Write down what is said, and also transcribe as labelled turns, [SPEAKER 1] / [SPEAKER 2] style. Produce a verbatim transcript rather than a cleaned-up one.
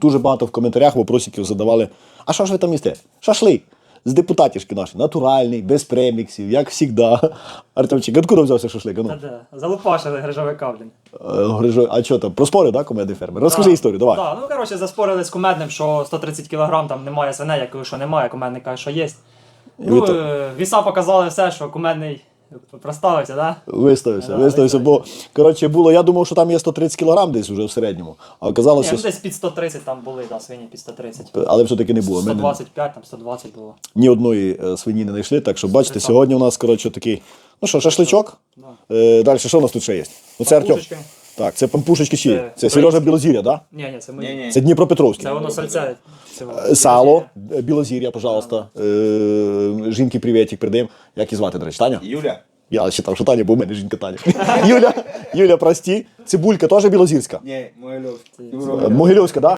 [SPEAKER 1] дуже багато в коментарях вопросиків задавали, а що ж ви там їсте? Шашлик. З депутатівські наші, натуральний, без преміксів, як завжди. Артемчик, откуда взявся шашлик? А ну.
[SPEAKER 2] Та-да, залупашили грижовика, блін.
[SPEAKER 1] Е, Грижо... А що там, проспорив, да, комедний фермер? Розкажи
[SPEAKER 2] Да.
[SPEAKER 1] історію, давай.
[SPEAKER 2] Да, ну, коротше, заспорили з кумедним, що сто тридцять кілограм там немає свиней, я кажу, що немає, кумедник каже, що є. Ну,
[SPEAKER 1] ви то-
[SPEAKER 2] е, віса показали все, що кумедний проставився, да?
[SPEAKER 1] Виставився,
[SPEAKER 2] Да,
[SPEAKER 1] виставився, бо, коротше, було, я думав, що там є сто тридцять кілограм десь вже в середньому, а
[SPEAKER 2] Ні,
[SPEAKER 1] оказалося,
[SPEAKER 2] ну, десь під сто тридцять там були, да, свині під сто тридцять.
[SPEAKER 1] але все-таки не було. Ми
[SPEAKER 2] сто
[SPEAKER 1] не-
[SPEAKER 2] двадцять п'ять, там сто двадцять було.
[SPEAKER 1] ні одної е, свині не знайшли, так що бачите,
[SPEAKER 2] Тридцять.
[SPEAKER 1] сьогодні у нас, коротше, такий, ну що, шашличок.
[SPEAKER 2] Да.
[SPEAKER 1] Е, далі, що у нас тут ще є? Ну, це Артем.
[SPEAKER 2] Пампушечки.
[SPEAKER 1] Так, це пампушечки чиї?
[SPEAKER 2] Це
[SPEAKER 1] Це Сережа
[SPEAKER 2] українські.
[SPEAKER 1] Білозір'я, так?
[SPEAKER 2] Ні, ні, це ми.
[SPEAKER 3] Ні, ні.
[SPEAKER 1] Це Дніпропетровський.
[SPEAKER 2] Це воно сальце. цього.
[SPEAKER 1] Е, Сало, е, Білозір'я, пожалуйста. Е, жінки привітик передаємо. Як її звати, до речі, Таня?
[SPEAKER 3] Юля.
[SPEAKER 1] Я вважав, що Таня, бо в мене жінка Таня. Юля, Юля, прості. Цибулька теж білозірська.
[SPEAKER 3] Ні, Могильовська.
[SPEAKER 1] Е, Могильовська, так?